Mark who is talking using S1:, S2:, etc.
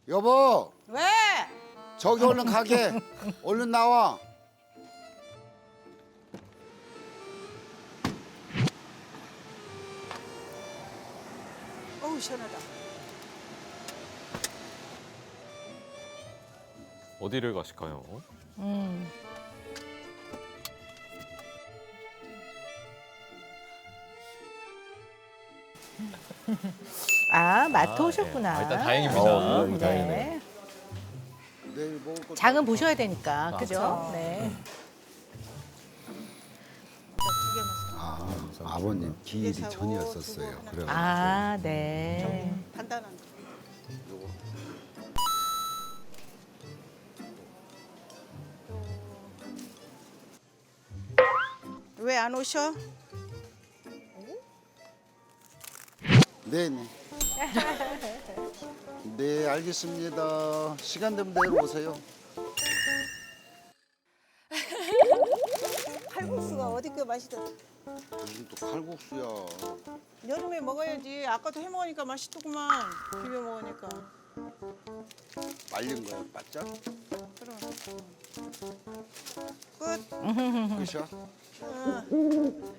S1: 여보,
S2: 왜?
S1: 저기 얼른 가게. 얼른 나와.
S2: 어우 시원하다.
S3: 어디를 가실까요?
S4: 아, 마트
S3: 아,
S4: 오셨구나.
S3: 예. 일단 다행입니다.
S4: 네.
S3: 다행이네요.
S1: 내일 먹을 거.
S4: 장은 보셔야 되니까, 그죠?
S3: 그렇죠.
S4: 네.
S1: 아버님 기일이 전이었었어요. 그래.
S4: 아, 네.
S2: 간단한 거. 왜 안 오셔?
S1: 네네. 네, 알겠습니다. 시간 되면 내일 오세요.
S2: 칼국수가 어디 그 맛있다.
S1: 무슨 또 칼국수야.
S2: 여름에 먹어야지. 아까도 해 먹으니까 맛있더구만. 비벼 먹으니까.
S1: 말린 거야, 바짝?
S2: 그럼. 끝.
S1: 끝이야?
S2: 응.